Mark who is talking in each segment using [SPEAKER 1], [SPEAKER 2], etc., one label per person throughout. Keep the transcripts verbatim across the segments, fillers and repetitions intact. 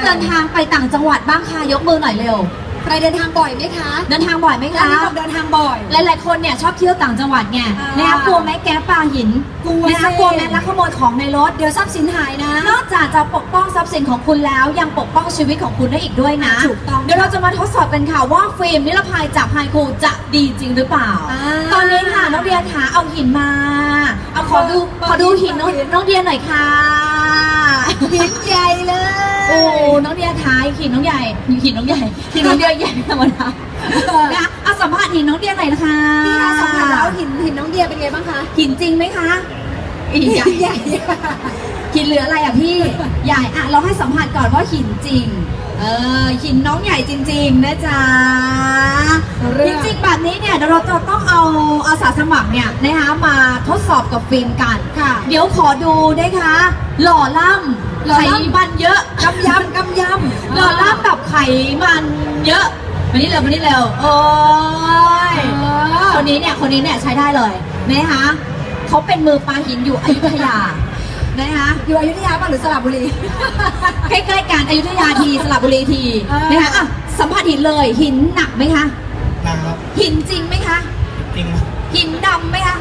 [SPEAKER 1] เดินทางไปต่างจังหวัดบ้างค่ะยกมือหน่อยเร็ว
[SPEAKER 2] ใครเดินทางบ่อยไหมคะ
[SPEAKER 1] เดินทางบ่อยไหมคะ
[SPEAKER 2] เดินทางบ่อย
[SPEAKER 1] หลายๆคนเนี่ยชอบเที่ยวต่างจังหวัดไงนะคะกลัวไหมแก๊ปปลาหิน
[SPEAKER 2] กลัว
[SPEAKER 1] นะคะกลัวไหมลักขโมยของในรถ
[SPEAKER 2] เดี๋ยวทรัพย์สินหายนะ
[SPEAKER 1] นอกจากจะปกป้องทรัพย์สินของคุณแล้วยังปกป้องชีวิตของคุณได้อีกด้วยนะ
[SPEAKER 2] ถูกต้อง
[SPEAKER 1] เดี๋ยวเราจะมาทดสอบกันค่ะว่าฟิล์มนิรภัยจากไฮคูจะดีจริงหรือเปล่าตอนนี้ค่ะน้องเดียขาเอาหินมาเอาขอดูขอดูหินน้องน้องเดียหน่อยค่ะ
[SPEAKER 2] หินใหญ่เลย
[SPEAKER 1] โอ้น้องเดียท้ายหินน้องใหญ่หินน้องใหญ่หินน้องเดียใหญ่ธรรมดานะเอาสัมภาษณ์หินน้องเดียหน่อยนะคะ
[SPEAKER 2] พี่คะสัมภาษณ์แล้วหินหินน้องเดียเป็นไงบ้างคะ
[SPEAKER 1] หินจริงไหมคะหินใหญ่ใหญ่หินเหลืออะไรอ่ะพี่ใหญ่อ่ะเราให้สัมภาษณ์ก่อนว่าหินจริงเออหินน้องใหญ่จริงๆนะจ๊ะจริงๆแบบนี้เนี่ยเราจะต้องเอาอาสาสมัครเนี่ยนะคะมาทดสอบกับฟิล์มกัน
[SPEAKER 2] ค่ะ
[SPEAKER 1] เดี๋ยวขอดูนะคะหล่อล่ำไขมันเยอะ
[SPEAKER 2] กำยำกำย
[SPEAKER 1] ำหล่อล่ำแบบไขมันเยอะมานี่เร็วมานี่เร็วโอ้ยคนนี้เนี่ยคนนี้เนี่ยใช้ได้เลยนะคะเขาเป็นมือปลาหินอยู่อยุธยานะคะ
[SPEAKER 2] อยู่อยุธยาป่ะหรือสระบุรี
[SPEAKER 1] ใกล้ๆกันอยุธยาทีสระบุรีทีนะคะอ่ะสัมผัสหินเลยหินหนักไหมคะ
[SPEAKER 3] หนักครับ
[SPEAKER 1] หินจริงไหมคะ
[SPEAKER 3] จริง
[SPEAKER 1] หินดำไหมคะ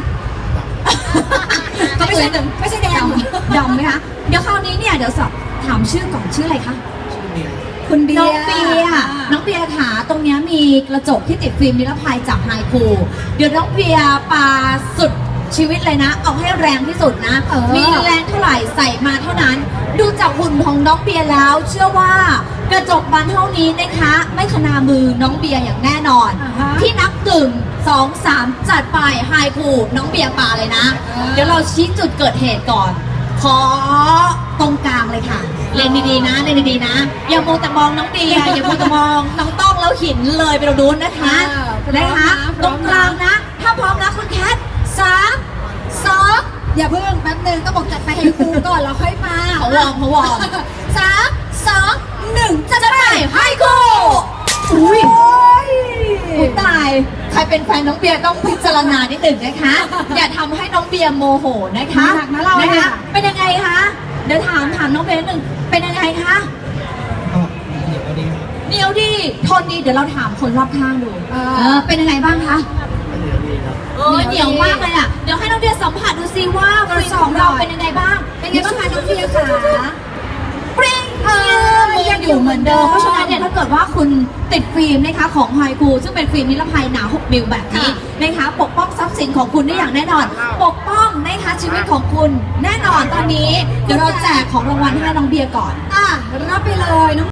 [SPEAKER 2] ไม่ใช่ไม่ใช่แดง
[SPEAKER 1] ดำไหมคะเดี๋ยวคราวนี้เนี่ยเดี๋ยวสอบถามชื่อก่อนชื่ออะไรคะ
[SPEAKER 3] ชื่อเบียร์
[SPEAKER 1] คุณเบียร์น้องเบียร์น้องเบียร์ขาตรงนี้มีกระจกที่ติดฟิล์มนิรภัยจากไฮคูเดี๋ยวน้องเบียร์ปาสุดชีวิตเลยนะเอาให้แรงที่สุดนะมีแรงเท่าไหร่ใส่มาเท่านั้นดูจากหุ่นของน้องเบียร์แล้วเชื่อว่ากระจกบานเท่านี้นะคะไม่ขนามือน้องเบียร์อย่างแน่นอนที่นับหนึ่งสองสามจัดไปไฮคูน้องเบียร์ปาเลยนะเดี๋ยวเราชี้จุดเกิดเหตุก่อนขอตรงกลางเลยค่ะเล่นดีๆนะเล่นดีๆนะอย่ามัวแต่มองน้องเดียอย่ามัวแต่มองน้องต้องแล้วหินเลยไปเราดูนะคะนะคะตรงกลางนะถ้าพร้อมนะคุณแคทสามสอง
[SPEAKER 2] อย่าเพิ่งแป๊บนึงต้องบอกจัดไปให้ครูก่อนแล้วค่อยมา
[SPEAKER 1] เขาวอร์มเขาวอร์ม
[SPEAKER 2] สามสองหนึ่ง
[SPEAKER 1] จะไปให้ครูอุ้ยตายใครเป็นแฟนน้องเบียร์ต้องพิจารณานิดหนึ่งนะคะอย่าทำให้น้องเบียร์โมโหนะคะ
[SPEAKER 2] หนักนะเรา
[SPEAKER 1] นะคะเป็นยังไงคะเดี๋ยวถามถามน้องเบียร์หนึ่งเป็นยังไงคะเหนียวดีทนดีเดี๋ยวเราถามคนรอบข้างดูเออเป็นยังไงบ้างคะเออเหนียวมากเลยอ่ะเดี๋ยวให้น้องเบียร์สัมผัสดูซิว่าฟิล์มของเราเป็นยังไงบ้าง
[SPEAKER 2] เป็นยังไงบ้างคะน้องเบียร์ขา
[SPEAKER 1] ปริ้งเออยังอยู่เหมือนเดิมเพราะฉะนั้นเนี่ยถ้าเกิดว่าคุณติดฟิล์มนะคะของไฮคูซึ่งเป็นฟิล์มนิรภัยหนาหกมิลแบบนี้นะคะปกป้องทรัพย์สินของคุณได้อย่างแน่นอนปกป้องนะคะชีวิตของคุณแน่นอนตอนนี้เดี๋ยวเราแจกของรางวัลให้น้องเบียร์ก่อน
[SPEAKER 2] อ่ะรับไปเลยน้อง